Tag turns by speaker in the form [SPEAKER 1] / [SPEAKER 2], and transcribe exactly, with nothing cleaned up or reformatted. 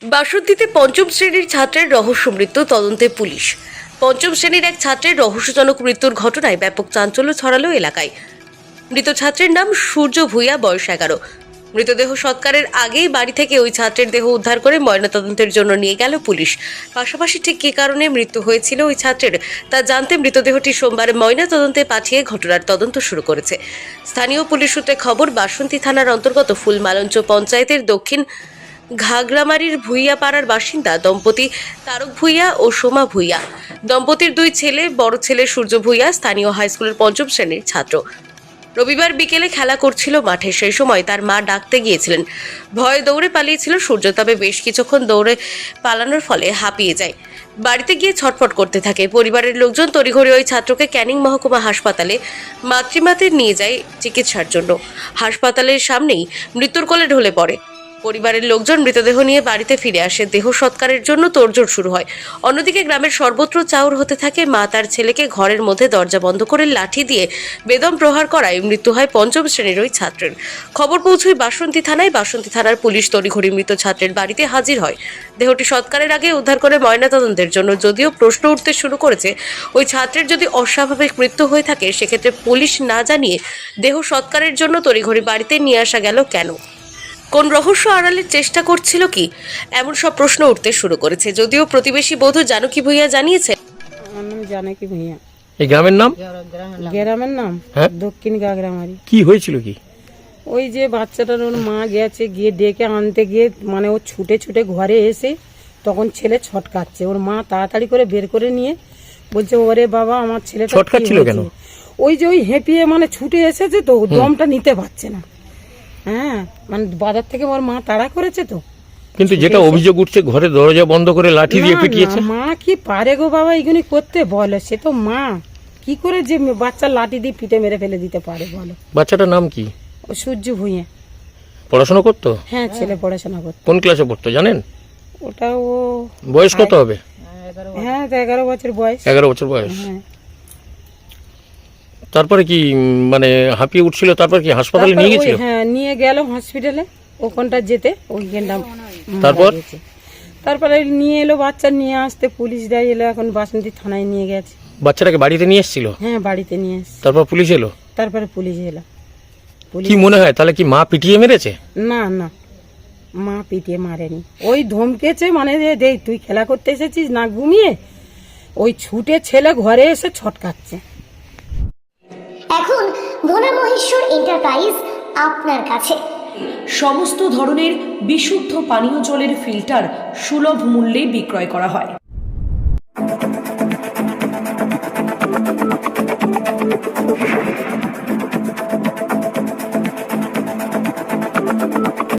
[SPEAKER 1] বাসন্তীতে পঞ্চম শ্রেণীর ছাত্রের রহস্য মৃত্যু তদন্তে পুলিশ। পঞ্চম শ্রেণীর এক ছাত্রের রহস্যজনক মৃত্যুর ঘটনায় ব্যাপক চাঞ্চল্য ছড়ালো এলাকায়। মৃত ছাত্রের নাম সূর্য ভূঁইয়া, বয়স এগারো। মৃতদেহ সৎকারের আগেই বাড়ি থেকে ওই ছাত্রের দেহ উদ্ধার করে ময়নাতদন্তের জন্য নিয়ে গেল পুলিশ। পাশাপাশি ঠিক কী কারণে মৃত্যু হয়েছিল ওই ছাত্রের তা জানতে মৃতদেহটি সোমবার ময়নাতদন্তে পাঠিয়ে ঘটনার তদন্ত শুরু করেছে। স্থানীয় পুলিশ সূত্রে খবর, বাসন্তী থানার অন্তর্গত ফুলমালঞ্চ পঞ্চায়েতের দক্ষিণ ঘাগরামারির ভূঁইয়া পাড়ার বাসিন্দা দম্পতি তারক ভূঁইয়া ও সোমা ভূঁইয়া। দম্পতির দুই ছেলে, বড় ছেলে সূর্য ভূঁইয়া স্থানীয় হাইস্কুলের পঞ্চম শ্রেণীর ছাত্র। রবিবার বিকেলে খেলা করছিল মাঠে, সেই সময় তার মা ডাকতে গিয়েছিলেন। ভয়ে দৌড়ে পালিয়েছিল সূর্য, তবে বেশ কিছুক্ষণ দৌড়ে পালানোর ফলে হাঁপিয়ে যায়। বাড়িতে গিয়ে ছটফট করতে থাকে। পরিবারের লোকজন তড়িঘড়ি ওই ছাত্রকে ক্যানিং মহকুমা হাসপাতালে মাতৃমাতে নিয়ে যায় চিকিৎসার জন্য। হাসপাতালের সামনেই মৃত্যুর কোলে ঢলে পড়ে। পরিবারের লোকজন মৃতদেহ নিয়ে বাড়িতে ফিরে আসে। দেহ সৎকারের জন্য তোড়জোড় শুরু হয়। অন্যদিকে গ্রামের সর্বত্র চাউর হতে থাকে। মা তার ছেলেকে ঘরের মধ্যে দরজা বন্ধ করে লাঠি দিয়ে বেদম প্রহার করায় মৃত্যু হয় পঞ্চম শ্রেণীর ওই ছাত্রের। খবর পৌঁছয় বাসন্তী থানায়। বাসন্তী থানার পুলিশ তড়িঘড়ি মৃত ছাত্রের বাড়িতে হাজির হয়। দেহটি সৎকারের আগে উদ্ধার করে ময়নাতদন্তের জন্য। যদিও প্রশ্ন উঠতে শুরু করেছে, ওই ছাত্রের যদি অস্বাভাবিক মৃত্যু হয়ে থাকে সেক্ষেত্রে পুলিশ না জানিয়ে দেহ সৎকারের জন্য তড়িঘড়ি বাড়িতে নিয়ে আসা গেল কেন? কোন রহস্য আড়ালের চেষ্টা করছিল কি? এমন সব প্রশ্ন উঠতে শুরু করেছে। যদিও প্রতিবেশী বধূ জানকী ভূঁইয়া জানিয়েছেন,
[SPEAKER 2] আমার নাম জানকী ভূঁইয়া।
[SPEAKER 3] এই গ্রামের নাম?
[SPEAKER 2] গ্রামের নাম
[SPEAKER 3] হ্যাঁ?
[SPEAKER 2] দক্ষিণ ঘাগরামারি।
[SPEAKER 3] কি হয়েছিল কি?
[SPEAKER 2] ওই যে বাচ্চাটার ওর মা গেছে, গিয়ে ডেকে আনতে গিয়ে মানে ও ছুটে ছুটে ঘরে এসে তখন ছেলে ছটকাচ্ছে। ওর মা তাড়াতাড়ি করে বের করে নিয়ে বলছে, ওরে বাবা আমার ছেলেটা
[SPEAKER 3] ছটকাচ্ছিল কেন?
[SPEAKER 2] ওই যে ওই হেঁপিয়ে মানে ছুটে এসেছে তো, দমটা নিতে পারছে না। হ্যাঁ, মানে বাজার থেকে ওর মা তাড়া করেছে তো।
[SPEAKER 3] কিন্তু যেটা অভিযোগ উঠছে, ঘরে দরজা বন্ধ করে লাঠি দিয়ে পিটিয়েছে।
[SPEAKER 2] মা কি পারে গো বাবা এগুলি করতে? বলে সে তো মা, কি করে যে বাচ্চার লাঠি দিয়ে পিটে মেরে ফেলে দিতে পারে বলো?
[SPEAKER 3] বাচ্চাটার নাম কি?
[SPEAKER 2] ও সূর্য ভূঁইয়া।
[SPEAKER 3] পড়াশোনা করতো?
[SPEAKER 2] হ্যাঁ, ছেলে পড়াশোনা করতো।
[SPEAKER 3] কোন ক্লাসে পড়তো জানেন?
[SPEAKER 2] ওটা ও
[SPEAKER 3] বয়স কত হবে?
[SPEAKER 2] হ্যাঁ, এগারো বছর বয়স।
[SPEAKER 3] এগারো বছর বয়স।
[SPEAKER 2] হ্যাঁ।
[SPEAKER 3] তারপরে কি মানে হাঁপিয়ে উঠছিল? তারপর কি হাসপাতালে নিয়ে গেছিল?
[SPEAKER 2] হ্যাঁ, নিয়ে গেল হসপিটালে। ওখানটা যেতে ওইখানটা
[SPEAKER 3] তারপর
[SPEAKER 2] তারপরে নিয়ে এলো বাচ্চা, নিয়ে আসতে পুলিশ দেয় এলো, এখন বাসন্তী থানায় নিয়ে গেছে।
[SPEAKER 3] বাচ্চাটাকে বাড়িতে নিয়ে এসেছিল?
[SPEAKER 2] হ্যাঁ, বাড়িতে নিয়ে এসছে।
[SPEAKER 3] তারপর পুলিশ এলো?
[SPEAKER 2] তারপরে পুলিশ এলো।
[SPEAKER 3] কি মনে হয় তাহলে কি মা পিটিয়ে মেরেছে?
[SPEAKER 2] না না, মা পিটিয়ে মারেনি। ওই ধমকেছে, মানে দেখ তুই খেলা করতে এসেছিস না ঘুমিয়ে, ওই ছুটে ছেলে ঘরে এসে ছটকাচ্ছে।
[SPEAKER 4] এখন ভোলা মহেশ্বর এন্টারপ্রাইজ আপনার কাছে
[SPEAKER 5] সমস্ত ধরনের বিশুদ্ধ পানীয় জলের ফিল্টার সুলভ মূল্যে বিক্রয় করা হয়।